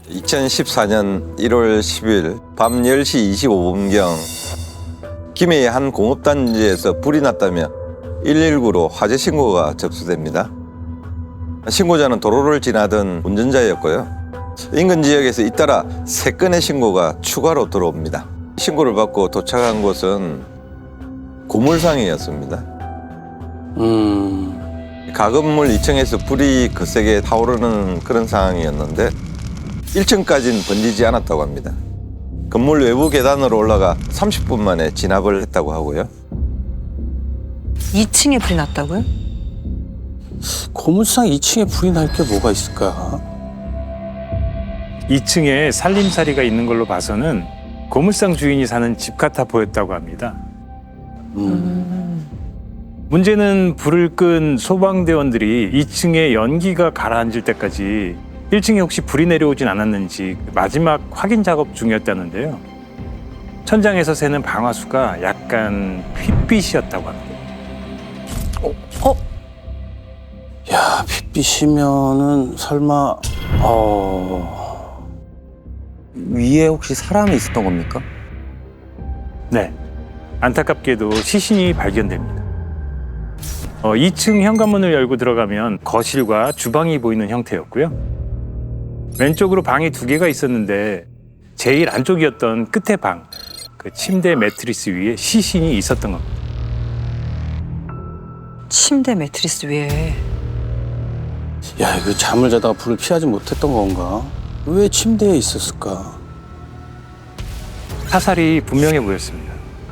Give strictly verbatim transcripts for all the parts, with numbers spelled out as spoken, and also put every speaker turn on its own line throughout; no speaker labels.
이천십사 년 일월 십일 밤 열 시 이십오 분경 김해의 한 공업단지에서 불이 났다며 일일구로 화재 신고가 접수됩니다. 신고자는 도로를 지나던 운전자였고요. 인근 지역에서 잇따라 세 건의 신고가 추가로 들어옵니다. 신고를 받고 도착한 곳은 고물상이었습니다.
음...
가건물 이 층에서 불이 거세게 타오르는 그런 상황이었는데 일 층까지는 번지지 않았다고 합니다. 건물 외부 계단으로 올라가 삼십 분 만에 진압을 했다고 하고요.
이 층에 불이 났다고요?
고물상 이 층에 불이 날 게 뭐가 있을까?
이 층에 살림살이가 있는 걸로 봐서는 고물상 주인이 사는 집 같아 보였다고 합니다.
음...
문제는 불을 끈 소방대원들이 이 층에 연기가 가라앉을 때까지 일 층에 혹시 불이 내려오진 않았는지 마지막 확인 작업 중이었다는데요. 천장에서 새는 방화수가 약간 핏빛이었다고 합니다.
어? 어?
야, 핏빛이면은 설마... 어...
위에 혹시 사람이 있었던 겁니까?
네, 안타깝게도 시신이 발견됩니다. 어, 이 층 현관문을 열고 들어가면 거실과 주방이 보이는 형태였고요. 왼쪽으로 방이 두 개가 있었는데 제일 안쪽이었던 끝에 방, 그 침대 매트리스 위에 시신이 있었던 겁니다.
침대 매트리스 위에.
야, 이거 잠을 자다가 불을 피하지 못했던 건가? 왜 침대에 있었을까?
사살이 분명해 보였습니다.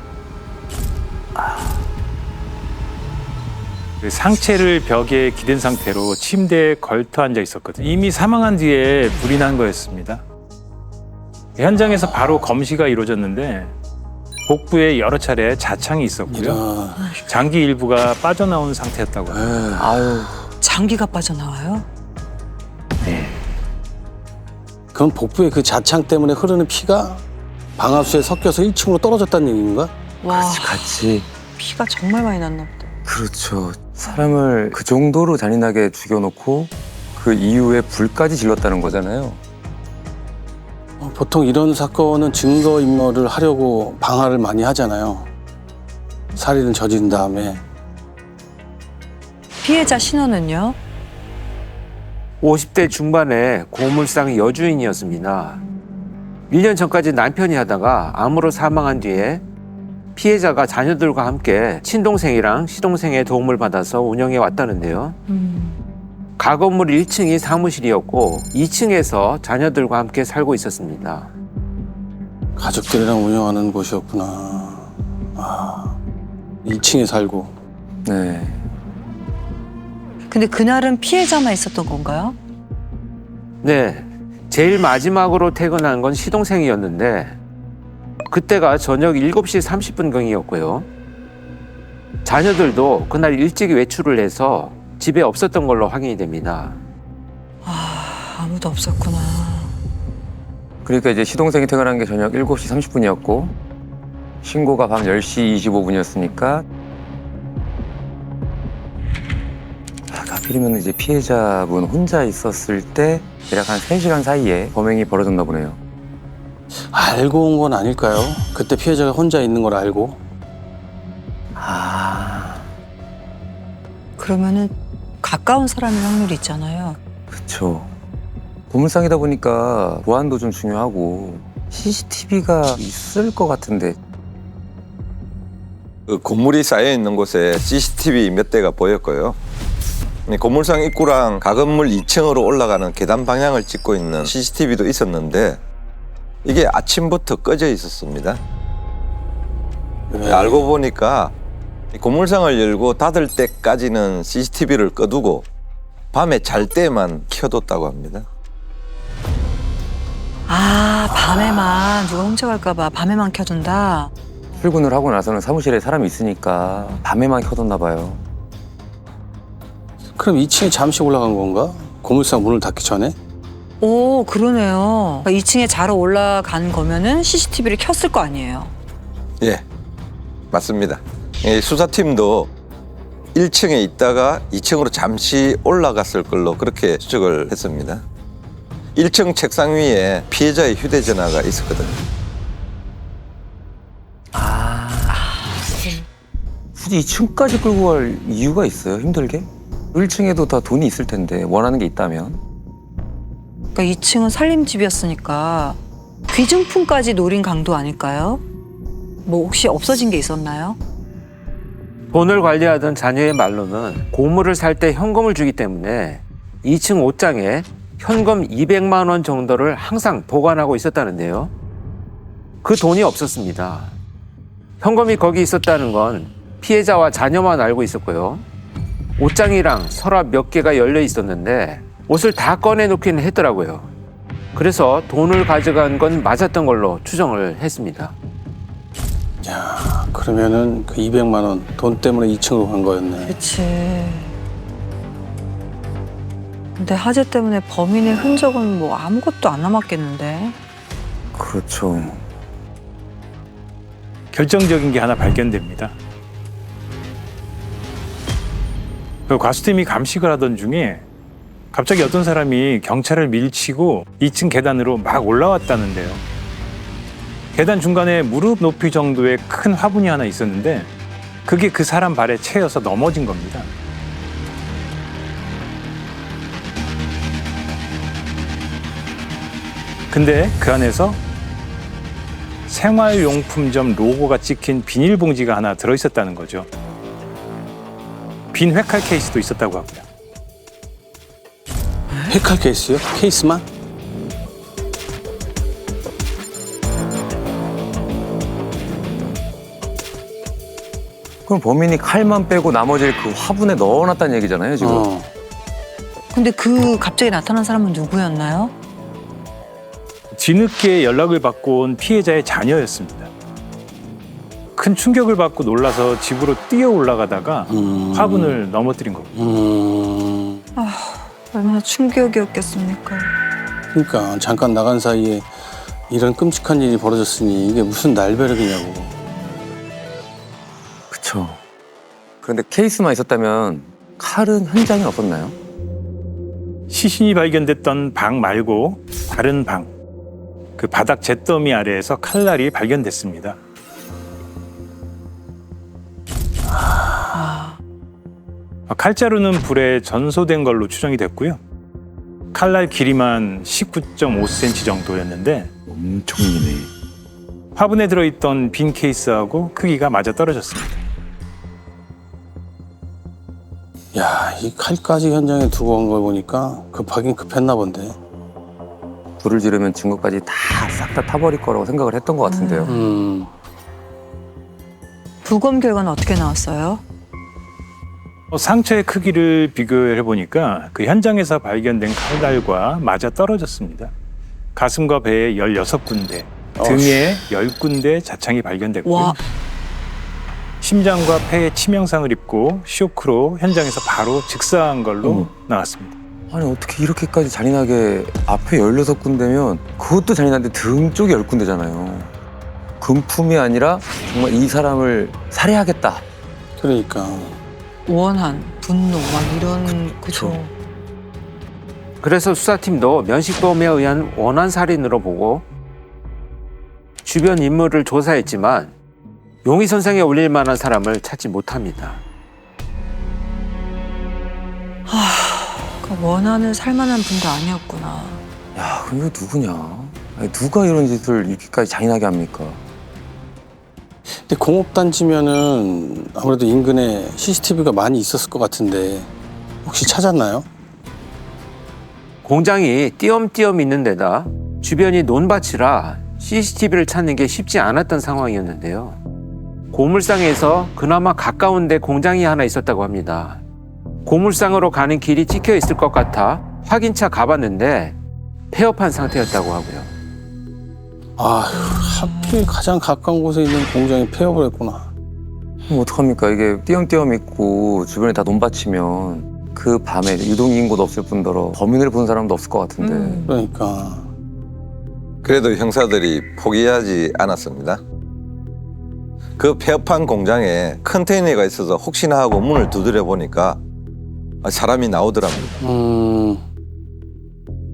그 상체를 벽에 기댄 상태로 침대에 걸터 앉아 있었거든요. 이미 사망한 뒤에 불이 난 거였습니다. 현장에서 바로 검시가 이루어졌는데 복부에 여러 차례 자창이 있었고요.
이런...
장기 일부가 빠져나온 상태였다고 합니다.
아유.
장기가 빠져나와요?
네.
그럼 복부에 그 자창 때문에 흐르는 피가 방화수에 섞여서 일 층으로 떨어졌다는 얘기인가?
와,
같이 같이.
피가 정말 많이 났나 보다.
그렇죠. 사람을 그 정도로 잔인하게 죽여놓고 그 이후에 불까지 질렀다는 거잖아요.
어, 보통 이런 사건은 증거인멸을 하려고 방화를 많이 하잖아요. 살인을 저지른 다음에.
피해자 신원은요?
오십 대 중반의 고물상 여주인이었습니다. 일 년 전까지 남편이 하다가 암으로 사망한 뒤에 피해자가 자녀들과 함께 친동생이랑 시동생의 도움을 받아서 운영해 왔다는데요.
음.
가건물 일 층이 사무실이었고 이 층에서 자녀들과 함께 살고 있었습니다.
가족들이랑 운영하는 곳이었구나. 아, 이 층에 살고.
네.
근데 그날은 피해자만 있었던 건가요?
네, 제일 마지막으로 퇴근한 건 시동생이었는데 그때가 저녁 일곱 시 삼십 분경이었고요. 자녀들도 그날 일찍 외출을 해서 집에 없었던 걸로 확인이 됩니다.
아, 아무도 없었구나.
그러니까 이제 시동생이 퇴근한 게 저녁 일곱 시 삼십 분이었고 신고가 밤 열 시 이십오 분이었으니까 하필이면 이제 피해자분 혼자 있었을 때 대략 한 세 시간 사이에 범행이 벌어졌나 보네요.
알고 온 건 아닐까요? 그때 피해자가 혼자 있는 걸 알고.
아,
그러면은 가까운 사람일 확률이 있잖아요.
그쵸. 고물상이다 보니까 보안도 좀 중요하고 씨씨티비가 있을 것 같은데.
그 건물이 쌓여 있는 곳에 씨씨티비 몇 대가 보였고요. 고물상 입구랑 가건물 이 층으로 올라가는 계단 방향을 찍고 있는 씨씨티비도 있었는데 이게 아침부터 꺼져 있었습니다.
네.
알고 보니까 고물상을 열고 닫을 때까지는 씨씨티비를 꺼두고 밤에 잘 때만 켜뒀다고 합니다.
아, 밤에만 누가 훔쳐갈까 봐 밤에만 켜둔다.
출근을 하고 나서는 사무실에 사람이 있으니까 밤에만 켜뒀나 봐요.
그럼 이 층에 잠시 올라간 건가? 고물상 문을 닫기 전에?
오, 그러네요. 그러니까 이 층에 자러 올라간 거면은 씨씨티비를 켰을 거 아니에요.
예, 맞습니다. 이 수사팀도 일 층에 있다가 이 층으로 잠시 올라갔을 걸로 그렇게 추측을 했습니다. 일 층 책상 위에 피해자의 휴대전화가 있었거든요.
굳이 이 층까지 끌고 갈 이유가 있어요? 힘들게? 일 층에도 다 돈이 있을 텐데 원하는 게 있다면.
그러니까 이 층은 살림집이었으니까 귀중품까지 노린 강도 아닐까요? 뭐 혹시 없어진 게 있었나요?
돈을 관리하던 자녀의 말로는 고물을 살 때 현금을 주기 때문에 이 층 옷장에 현금 이백만 원 정도를 항상 보관하고 있었다는데요. 그 돈이 없었습니다. 현금이 거기 있었다는 건 피해자와 자녀만 알고 있었고요. 옷장이랑 서랍 몇 개가 열려 있었는데 옷을 다 꺼내놓기는 했더라고요. 그래서 돈을 가져간 건 맞았던 걸로 추정을 했습니다.
야, 그러면은 그 이백만 원 돈 때문에 이 층으로 간 거였네.
그치. 근데 화재 때문에 범인의 흔적은 뭐 아무것도 안 남았겠는데.
그렇죠.
결정적인 게 하나 발견됩니다. 그 과수팀이 감식을 하던 중에 갑자기 어떤 사람이 경찰을 밀치고 이 층 계단으로 막 올라왔다는데요. 계단 중간에 무릎 높이 정도의 큰 화분이 하나 있었는데 그게 그 사람 발에 채여서 넘어진 겁니다. 근데 그 안에서 생활용품점 로고가 찍힌 비닐봉지가 하나 들어있었다는 거죠. 빈 회칼 케이스도 있었다고 하고요.
회칼 케이스요? 케이스만?
그럼 범인이 칼만 빼고 나머지를 그 화분에 넣어놨다는 얘기잖아요, 지금.
어.
근데 그 갑자기 나타난 사람은 누구였나요?
뒤늦게 연락을 받고 온 피해자의 자녀였습니다. 큰 충격을 받고 놀라서 집으로 뛰어 올라가다가
음.
화분을 넘어뜨린 겁니다.
음.
얼마나 충격이었겠습니까?
그러니까 잠깐 나간 사이에 이런 끔찍한 일이 벌어졌으니 이게 무슨 날벼락이냐고.
그쵸. 그런데 케이스만 있었다면 칼은 현장에 없었나요?
시신이 발견됐던 방 말고 다른 방, 그 바닥 잿더미 아래에서 칼날이 발견됐습니다. 칼자루는 불에 전소된 걸로 추정이 됐고요. 칼날 길이만 십구 점 오 센티미터 정도였는데
엄청 이네.
화분에 들어있던 빈 케이스하고 크기가 맞아 떨어졌습니다.
야, 이 칼까지 현장에 두고 간 걸 보니까 급하긴 급했나 본데.
불을 지르면 증거까지 다 싹 다 타버릴 거라고 생각을 했던 것 같은데요.
음.
부검 결과는 어떻게 나왔어요?
어, 상처의 크기를 비교해 보니까 그 현장에서 발견된 칼날과 맞아 떨어졌습니다. 가슴과 배에 열여섯 군데, 등에 열 군데 자창이 발견됐고요.
와.
심장과 폐에 치명상을 입고 쇼크로 현장에서 바로 즉사한 걸로
어머.
나왔습니다.
아니 어떻게 이렇게까지 잔인하게 앞에 열여섯 군데면 그것도 잔인한데 등 쪽에 열 군데잖아요. 금품이 아니라 정말 이 사람을 살해하겠다.
그러니까.
원한, 분노, 막 이런 그죠.
그래서 수사팀도 면식범에 의한 원한 살인으로 보고 주변 인물을 조사했지만 용의선상에 올릴 만한 사람을 찾지 못합니다.
그 원한을 살만한 분도 아니었구나.
야, 그럼 이거 누구냐? 아니, 누가 이런 짓을 이렇게까지 잔인하게 합니까?
근데 공업단지면은 아무래도 인근에 씨씨티비가 많이 있었을 것 같은데 혹시 찾았나요?
공장이 띄엄띄엄 있는 데다 주변이 논밭이라 씨씨티비를 찾는 게 쉽지 않았던 상황이었는데요. 고물상에서 그나마 가까운 데 공장이 하나 있었다고 합니다. 고물상으로 가는 길이 찍혀 있을 것 같아 확인차 가봤는데 폐업한 상태였다고 하고요.
아휴, 하필 가장 가까운 곳에 있는 공장이 폐업을 했구나.
그럼 어떡합니까? 이게 띄엄띄엄 있고 주변에 다 논밭이면 그 밤에 유동인구도 없을 뿐더러 범인을 본 사람도 없을 것 같은데.
음.
그러니까.
그래도 형사들이 포기하지 않았습니다. 그 폐업한 공장에 컨테이너가 있어서 혹시나 하고 문을 두드려 보니까 사람이 나오더랍니다.
음.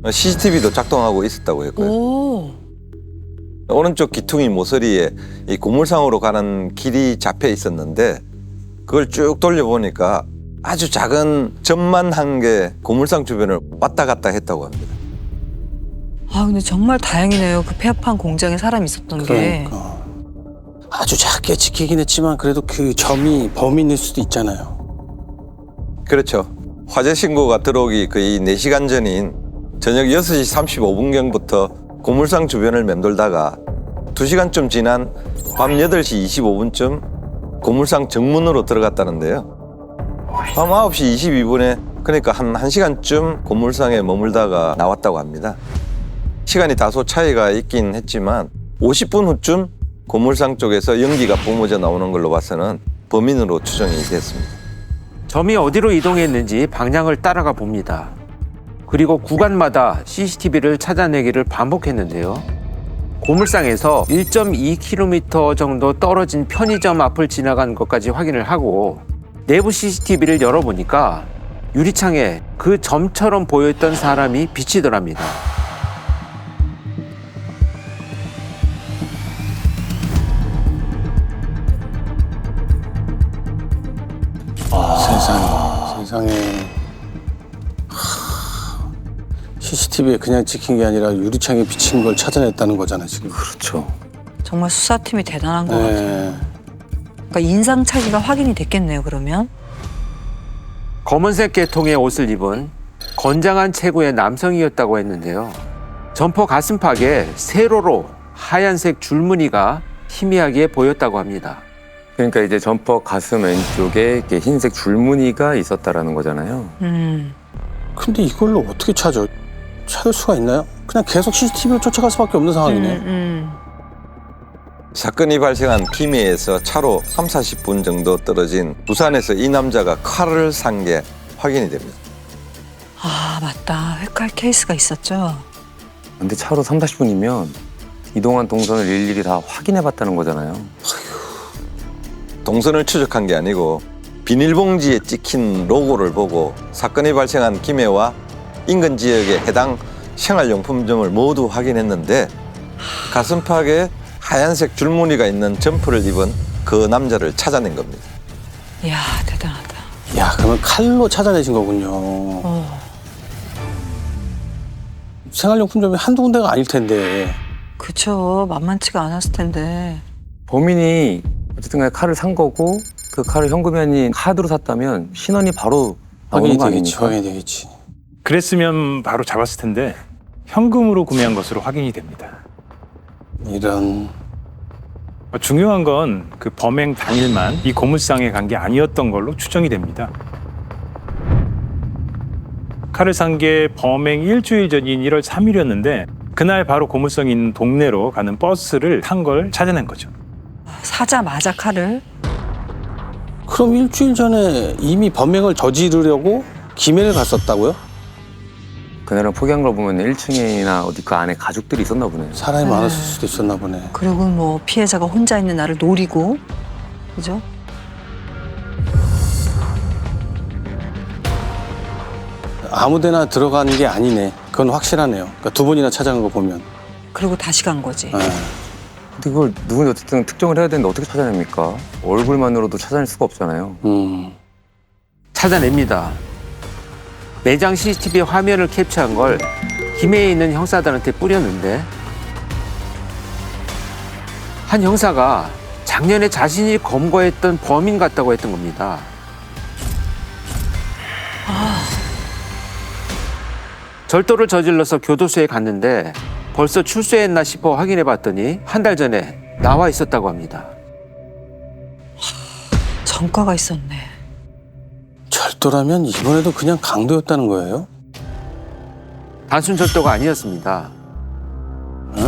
씨씨티비도 작동하고 있었다고 했고요.
오.
오른쪽 귀퉁이 모서리에 이 고물상으로 가는 길이 잡혀 있었는데 그걸 쭉 돌려보니까 아주 작은 점만 한 개 고물상 주변을 왔다 갔다 했다고 합니다.
아 근데 정말 다행이네요. 그 폐업한 공장에 사람이 있었던 게.
그러니까 아주 작게 지키긴 했지만 그래도 그 점이 범인일 수도 있잖아요.
그렇죠. 화재 신고가 들어오기 거의 네 시간 전인 저녁 여섯 시 삼십오 분경부터 고물상 주변을 맴돌다가 두 시간쯤 지난 밤 여덟 시 이십오 분쯤 고물상 정문으로 들어갔다는데요. 밤 아홉 시 이십이 분에 그러니까 한 1시간쯤 고물상에 머물다가 나왔다고 합니다. 시간이 다소 차이가 있긴 했지만 오십 분 후쯤 고물상 쪽에서 연기가 뿜어져 나오는 걸로 봐서는 범인으로 추정이 됐습니다.
점이 어디로 이동했는지 방향을 따라가 봅니다. 그리고 구간마다 씨씨티비를 찾아내기를 반복했는데요. 고물상에서 일 점 이 킬로미터 정도 떨어진 편의점 앞을 지나간 것까지 확인을 하고 내부 씨씨티비를 열어보니까 유리창에 그 점처럼 보였던 사람이 비치더랍니다.
세상에, 세상에. 씨씨티비에 그냥 찍힌 게 아니라 유리창에 비친 걸 찾아냈다는 거잖아 지금.
그렇죠.
정말 수사팀이 대단한 것 같아요.
네.
그러니까 인상착의가 확인이 됐겠네요. 그러면.
검은색 계통의 옷을 입은 건장한 체구의 남성이었다고 했는데요. 점퍼 가슴팍에 세로로 하얀색 줄무늬가 희미하게 보였다고 합니다.
그러니까 이제 점퍼 가슴 왼쪽에 이렇게 흰색 줄무늬가 있었다라는 거잖아요.
음.
근데 이걸로 어떻게 찾아? 찾을 수가 있나요? 그냥 계속 씨씨티비를 쫓아갈 수밖에 없는 상황이네.
음, 음.
사건이 발생한 김해에서 차로 삼사십 분 정도 떨어진 부산에서 이 남자가 칼을 산 게 확인이 됩니다.
아 맞다. 회칼 케이스가 있었죠.
근데 차로 삼사십 분이면 이동한 동선을 일일이 다 확인해봤다는 거잖아요.
동선을 추적한 게 아니고 비닐봉지에 찍힌 로고를 보고 사건이 발생한 김해와 인근 지역에 해당 생활용품점을 모두 확인했는데 가슴팍에 하얀색 줄무늬가 있는 점퍼를 입은 그 남자를 찾아낸 겁니다.
이야 대단하다.
야, 그러면 칼로 찾아내신 거군요.
어.
생활용품점이 한두 군데가 아닐 텐데.
그쵸. 만만치가 않았을 텐데.
범인이 어쨌든 간에 칼을 산 거고 그 칼을 현금이 아닌 카드로 샀다면 신원이 바로 나오는
확인이
거
되겠지,
아닙니까?
확인이 되겠지.
그랬으면 바로 잡았을 텐데 현금으로 구매한 것으로 확인이 됩니다.
이런.
중요한 건 그 범행 당일만 이 고물상에 간 게 아니었던 걸로 추정이 됩니다. 칼을 산 게 범행 일주일 전인 일월 삼일이었는데 그날 바로 고물상에 있는 동네로 가는 버스를 탄 걸 찾아낸 거죠.
사자마자 칼을.
그럼 일주일 전에 이미 범행을 저지르려고 김해를 갔었다고요?
그날은 포기한 걸 보면 일 층이나 어디 그 안에 가족들이 있었나 보네요.
사람이
네.
많았을 수도 있었나 보네.
그리고 뭐 피해자가 혼자 있는 나를 노리고. 그죠?
아무데나 들어간 게 아니네. 그건 확실하네요. 그러니까 두 번이나 찾아간 거 보면.
그리고 다시 간 거지.
네.
근데 그걸 누군지 어쨌든 특정을 해야 되는데 어떻게 찾아냅니까? 얼굴만으로도 찾아낼 수가 없잖아요.
음.
찾아냅니다. 매장 씨씨티비 화면을 캡처한 걸 김해에 있는 형사들한테 뿌렸는데 한 형사가 작년에 자신이 검거했던 범인 같다고 했던 겁니다. 절도를 저질러서 교도소에 갔는데 벌써 출소했나 싶어 확인해 봤더니 한 달 전에 나와 있었다고 합니다.
전과가 있었네.
절도라면 이번에도 그냥 강도였다는 거예요?
단순 절도가 아니었습니다.
어?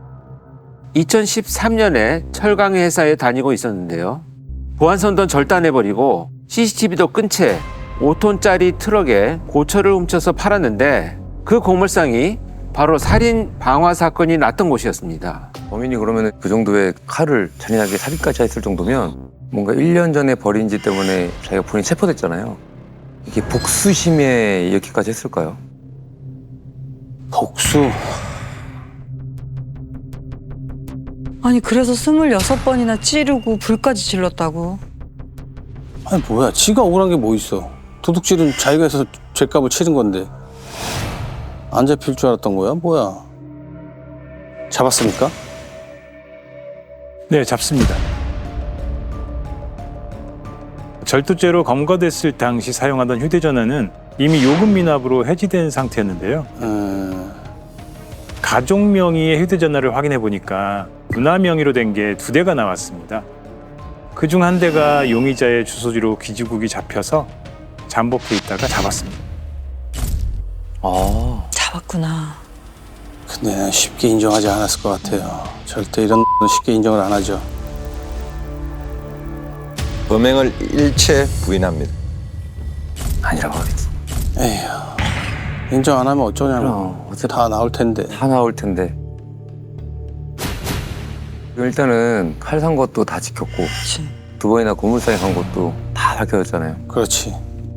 이천십삼 년에 철강 회사에 다니고 있었는데요. 보안선도 절단해버리고 씨씨티비도 끈 채 오 톤짜리 트럭에 고철을 훔쳐서 팔았는데 그 고물상이 바로 살인 방화 사건이 났던 곳이었습니다.
범인이 그러면 그 정도의 칼을 잔인하게 살인까지 했을 정도면 뭔가 일 년 전에 벌인 짓 때문에 자기가 본인이 체포됐잖아요. 이게 복수심에 이렇게까지 했을까요?
복수.
아니 그래서 스물여섯 번이나 찌르고 불까지 질렀다고.
아니 뭐야? 지가 억울한 게 뭐 있어? 도둑질은 자기가 해서 죄값을 치른 건데 안 잡힐 줄 알았던 거야? 뭐야? 잡았습니까?
네, 잡습니다. 절도죄로 검거됐을 당시 사용하던 휴대전화는 이미 요금 미납으로 해지된 상태였는데요.
음,
가족 명의의 휴대전화를 확인해 보니까 누나 명의로 된 게 두 대가 나왔습니다. 그중 한 대가 용의자의 주소지로 귀지국이 잡혀서 잠복해 있다가 잡았습니다.
아,
잡았구나.
근데 난 쉽게 인정하지 않았을 것 같아요. 절대 이런 쉽게 인정을 안 하죠.
범행을 일체 부인합니다.
아니라고 하겠지.
에휴, 인정 안 하면 어쩌냐고.
그럼, 어차피
다 나올 텐데.
다 나올 텐데. 일단은 칼 산 것도 다 지켰고
그렇지.
두 번이나 고물상에 간 것도 다 밝혀졌잖아요.
그렇지.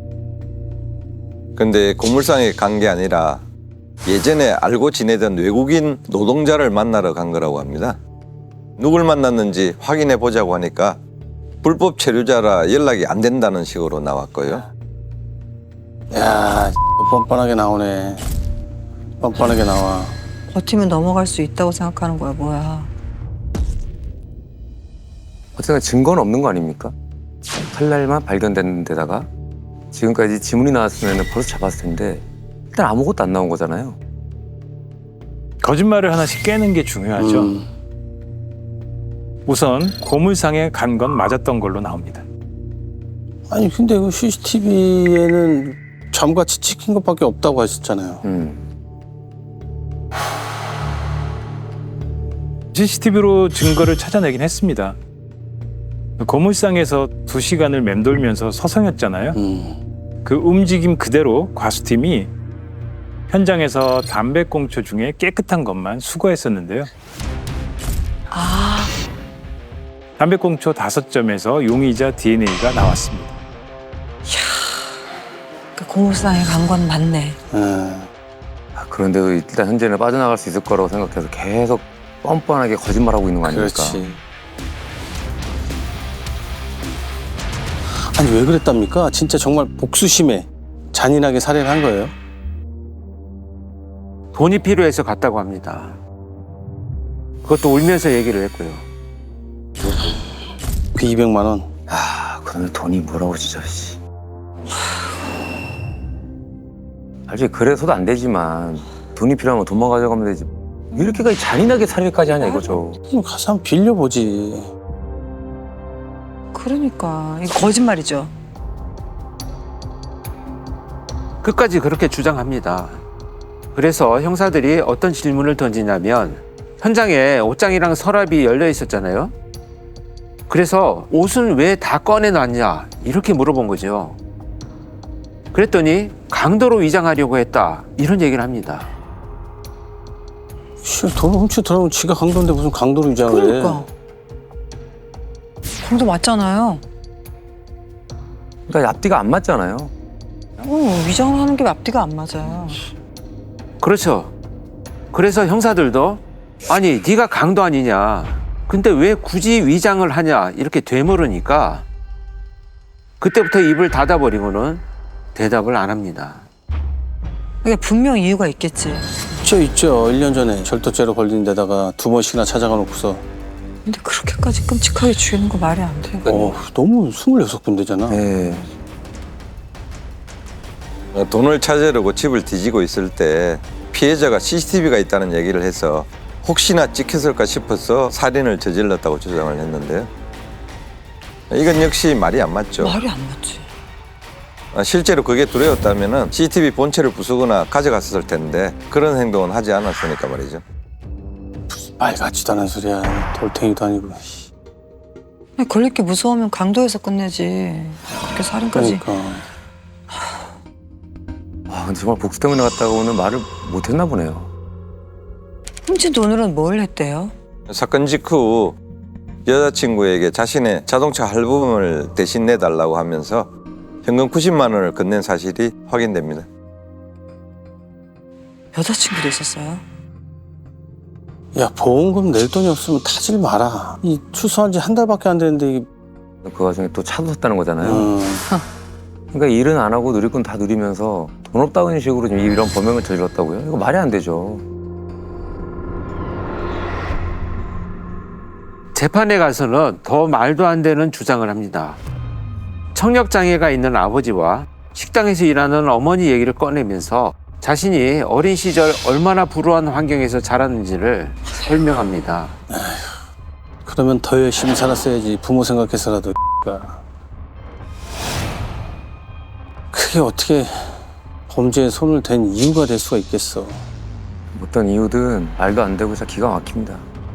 근데 고물상에 간 게 아니라 예전에 알고 지내던 외국인 노동자를 만나러 간 거라고 합니다. 누굴 만났는지 확인해 보자고 하니까 불법 체류자라 연락이 안 된다는 식으로 나왔고요.
야, 뻔뻔하게 나오네. 뻔뻔하게 나와.
버티면 넘어갈 수 있다고 생각하는 거야 뭐야.
어쨌든 증거는 없는 거 아닙니까? 칼날만 발견된 데다가 지금까지 지문이 나왔으면 벌써 잡았을 텐데 일단 아무것도 안 나온 거잖아요.
거짓말을 하나씩 깨는 게 중요하죠.
음,
우선 고물상에 간 건 맞았던 걸로 나옵니다.
아니 근데 그 씨씨티비에는 점같이 찍힌 것밖에 없다고 하셨잖아요.
음.
씨씨티비로 증거를 찾아내긴 했습니다. 고물상에서 두 시간을 맴돌면서 서성였잖아요.
음,
그 움직임 그대로 과수팀이 현장에서 담배꽁초 중에 깨끗한 것만 수거했었는데요.
아
담배꽁초 다섯 점에서 용의자 디엔에이가 나왔습니다.
그 고물상에 간 건 맞네.
음.
아, 그런데도 일단 현재는 빠져나갈 수 있을 거라고 생각해서 계속 뻔뻔하게 거짓말하고 있는 거 아닙니까?
그렇지. 아니 왜 그랬답니까? 진짜 정말 복수심에 잔인하게 살해를 한 거예요?
돈이 필요해서 갔다고 합니다. 그것도 울면서 얘기를 했고요.
그 이백만 원.
아, 그러면 돈이 뭐라고 진짜. 씨. 사실 그래서도 안 되지만 돈이 필요하면 돈만 가져가면 되지. 이렇게까지 잔인하게 살해까지 하냐 이거죠.
그럼 가서 한번 빌려보지.
그러니까 이거 거짓말이죠.
끝까지 그렇게 주장합니다. 그래서 형사들이 어떤 질문을 던지냐면 현장에 옷장이랑 서랍이 열려 있었잖아요. 그래서 옷은 왜 다 꺼내놨냐 이렇게 물어본 거죠. 그랬더니 강도로 위장하려고 했다 이런 얘기를 합니다.
씨, 돈을 훔쳐 들어오면 지가 강도인데 무슨 강도로 위장을 해.
그러니까. 강도 맞잖아요.
그러니까 앞뒤가 안 맞잖아요.
어, 위장을 하는 게 앞뒤가 안 맞아요.
그렇죠. 그래서 형사들도 아니 네가 강도 아니냐 근데 왜 굳이 위장을 하냐 이렇게 되물으니까 그때부터 입을 닫아버리고는 대답을 안 합니다.
이게 분명 이유가 있겠지.
있죠 있죠. 일 년 전에 절도죄로 걸린 데다가 두 번씩이나 찾아가 놓고서
근데 그렇게까지 끔찍하게 죽이는 거 말이 안 돼.
어, 너무 스물여섯 군데잖아.
네.
돈을 찾으려고 집을 뒤지고 있을 때 피해자가 씨씨티비가 있다는 얘기를 해서 혹시나 찍혔을까 싶어서 살인을 저질렀다고 주장을 했는데요. 이건 역시 말이 안 맞죠.
말이 안 맞지.
실제로 그게 두려웠다면 씨씨티비 본체를 부수거나 가져갔을 텐데 그런 행동은 하지 않았으니까 말이죠.
말 같지도 않은 소리야. 돌탱이도 아니고.
아니, 걸릴 게 무서우면 강도에서 끝내지. 그렇게 살인까지.
그러니까.
아, 근데 정말 복수 때문에 갔다고는 말을 못했나 보네요.
훔친 돈으로는 뭘 했대요?
사건 직후 여자친구에게 자신의 자동차 할부금을 대신 내달라고 하면서 현금 구십만 원을 건넨 사실이 확인됩니다.
여자친구도 있었어요?
야, 보험금 낼 돈이 없으면 타질 마라. 이 출소한 지 한 달밖에 안 됐는데 이게
그 와중에 또 차도 샀다는 거잖아요.
음,
그러니까 일은 안 하고 누릴 건 다 누리면서 돈 없다는 식으로 지금 이런 범행을 저질렀다고요? 이거 말이 안 되죠.
재판에 가서는 더 말도 안 되는 주장을 합니다. 청력장애가 있는 아버지와 식당에서 일하는 어머니 얘기를 꺼내면서 자신이 어린 시절 얼마나 불우한 환경에서 자랐는지를 설명합니다.
그러면 더 열심히 살았어야지. 부모 생각해서라도. 그게 어떻게 범죄에 손을 댄 이유가 될 수가 있겠어.
어떤 이유든 말도 안 되고 진짜 기가 막힙니다.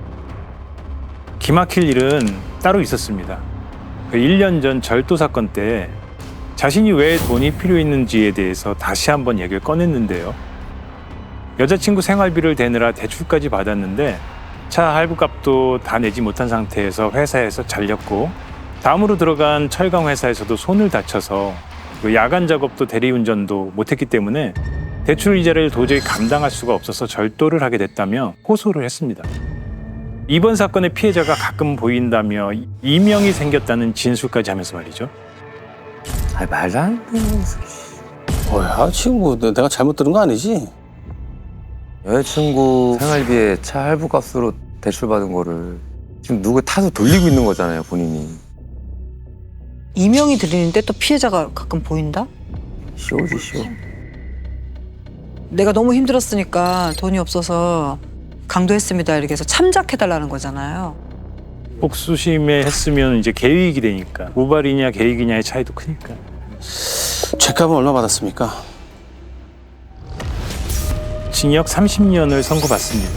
기막힐 일은 따로 있었습니다. 그 일 년 전 절도 사건 때 자신이 왜 돈이 필요했는지에 대해서 다시 한번 얘기를 꺼냈는데요. 여자친구 생활비를 대느라 대출까지 받았는데 차 할부값도 다 내지 못한 상태에서 회사에서 잘렸고 다음으로 들어간 철강 회사에서도 손을 다쳐서 그 야간 작업도 대리운전도 못했기 때문에 대출 이자를 도저히 감당할 수가 없어서 절도를 하게 됐다며 호소를 했습니다. 이번 사건의 피해자가 가끔 보인다며 이명이 생겼다는 진술까지 하면서 말이죠.
아 말도 안 돼.
뭐야, 지금 뭐 내가 잘못 들은 거 아니지?
여자친구 생활비에 차 할부값으로 대출받은 거를 지금 누구 타서 돌리고 있는 거잖아요, 본인이.
이명이 들리는데 또 피해자가 가끔 보인다?
쇼지, 쇼.
내가 너무 힘들었으니까 돈이 없어서 강도했습니다 이렇게 해서 참작해달라는 거잖아요.
복수심에 했으면 이제 계획이 되니까 우발이냐 계획이냐의 차이도 크니까.
죄값은 얼마 받았습니까?
징역 삼십 년을 선고받습니다.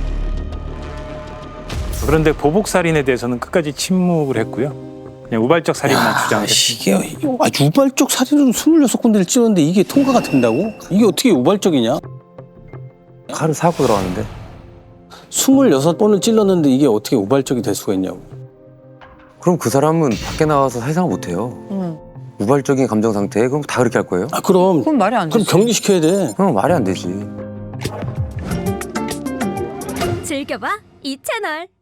그런데 보복살인에 대해서는 끝까지 침묵을 했고요. 그냥 우발적 살인만 주장했습니다.
이게 아, 우발적 살인은 스물여섯 군데를 찔렀는데 이게 통과가 된다고? 이게 어떻게 우발적이냐?
칼을 사고 들어왔는데
스물여섯 번을 찔렀는데 이게 어떻게 우발적이 될 수가 있냐고.
그럼 그 사람은 밖에 나가서 세상을 못해요.
응.
우발적인 감정 상태에 그럼 다 그렇게 할 거예요?
아, 그럼
그건 말이 안
그럼
되지.
격리시켜야 돼.
그럼 말이 안 되지.
즐겨봐 이 채널.